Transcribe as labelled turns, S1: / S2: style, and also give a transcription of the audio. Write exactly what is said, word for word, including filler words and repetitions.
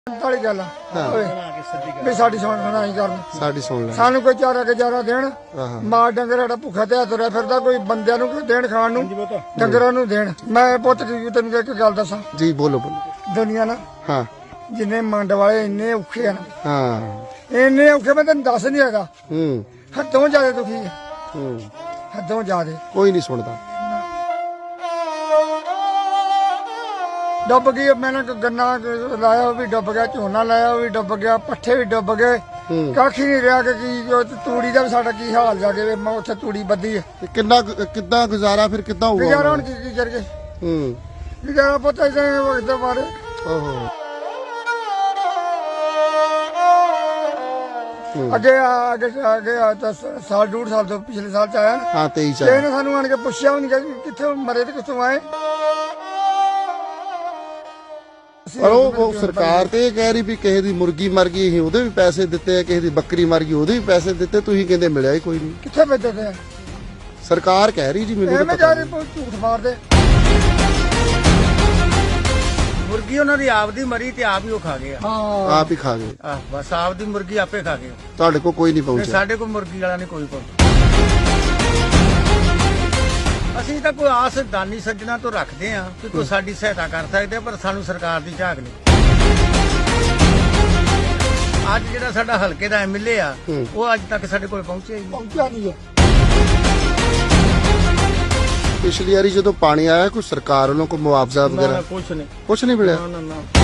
S1: वाली गल भी साडी सुन सुनाई करन
S2: साडी सुन ले
S1: सानू कोई चारा के चारा देण मां डंगर साडा भुखा ते तुरया फिरदा कोई बंदियां नू देण खाण नू डंगरां नू देण। मैं पुੱਤ तैनू एक गल दसां
S2: जी बोलो बोलो
S1: दुनिया ना
S2: हाँ
S1: जिन्ने मंड वाले इन्ने औखे हैं
S2: हाँ
S1: इन्ने औखे मैं तेन दस नहीं हैगा
S2: हम्म
S1: हदों ज्यादा दुखी है
S2: हम्म
S1: हदों ज्यादा
S2: कोई नहीं सुनता
S1: डुब गई। मैंने गन्ना लाया वो भी डुब गया झोना लाया वो भी डुब गया पट्ठे भी डुब गए कख ही नहीं रहा कि तूड़ी का भी साडा की हाल जाके मैं उत्थे तूड़ी बद्धी है
S2: कितना कितना गुजारा फिर कितना हुआ
S1: गुजारा हुण की की करके
S2: हम्म
S1: गुजारा पता ही नहीं वक्त मारे
S2: ओहो
S1: अगे आगे आगे साल डेढ़ साल तो पिछले साल च आया
S2: हाँ तेईस
S1: ते इहने सानू आण के पुछया भी नहीं कि कित्थे मरे ते कित्थों आए।
S2: पर वो वो सरकार ते कह रही भी किसी दी मुर्गी मर गई असीं ਉਹਦੇ ਵੀ ਪੈਸੇ ਦਿੱਤੇ ਆ ਕਿਸੇ ਦੀ ਬੱਕਰੀ ਮਰ ਗਈ ਉਹਦੇ ਵੀ ਪੈਸੇ ਦਿੱਤੇ ਤੁਸੀਂ ਕਹਿੰਦੇ ਮਿਲਿਆ ਹੀ ਕੋਈ ਨਹੀਂ।
S1: कित्थे भेजे थे
S2: ਸਰਕਾਰ ਕਹਿ ਰਹੀ ਜੀ ਮੈਨੂੰ
S1: एवें
S2: ਤਾਂ
S1: जा
S2: ਪਤਾ
S1: रहे झूठ मारदे
S3: मुर्गी उन्होंने आप दी मरी ते आप ही वो खा गए
S1: हां
S2: ਆਪ ਹੀ ਖਾ ਗਏ
S3: आ, बस आप दी मुर्गी आपे खा गए
S2: ਤੁਹਾਡੇ ਕੋਲ ਕੋਈ ਨਹੀਂ
S3: ते
S2: ਪਹੁੰਚਿਆ।
S3: साडे को मुर्गी वाला नहीं कोई पहुंचा। ਅਸੀਂ ਤਾਂ ਕੋਈ ਆਸ ਦਾਨੀ ਸੱਜਣਾ ਤੋਂ ਰੱਖਦੇ ਆ ਕਿ ਕੋਈ ਸਾਡੀ ਸਹਾਇਤਾ ਕਰ ਸਕਦੇ ਆ ਪਰ ਸਾਨੂੰ ਸਰਕਾਰ ਦੀ ਝਾਕ ਨਹੀਂ। ਅੱਜ ਜਿਹੜਾ ਸਾਡਾ ਹਲਕੇ ਦਾ ਐਮਐਲਏ ਆ ਉਹ ਅੱਜ ਤੱਕ ਸਾਡੇ ਕੋਲ ਪਹੁੰਚਿਆ ਹੀ ਨਹੀਂ।
S1: पहुंचा नहीं है।
S2: ਪਿਛਲੀ ਵਾਰੀ ਜਦੋਂ ਪਾਣੀ ਆਇਆ ਕੋਈ ਸਰਕਾਰ ਵੱਲੋਂ ਕੋਈ ਮੁਆਵਜ਼ਾ
S3: ਨਾ
S2: ਵਗੈਰਾ
S3: ਨਾ ਕੁਛ ਨਹੀਂ
S2: ਕੁਝ ਨਹੀਂ ਮਿਲਿਆ।
S3: ਨਾ ਨਾ ਨਾ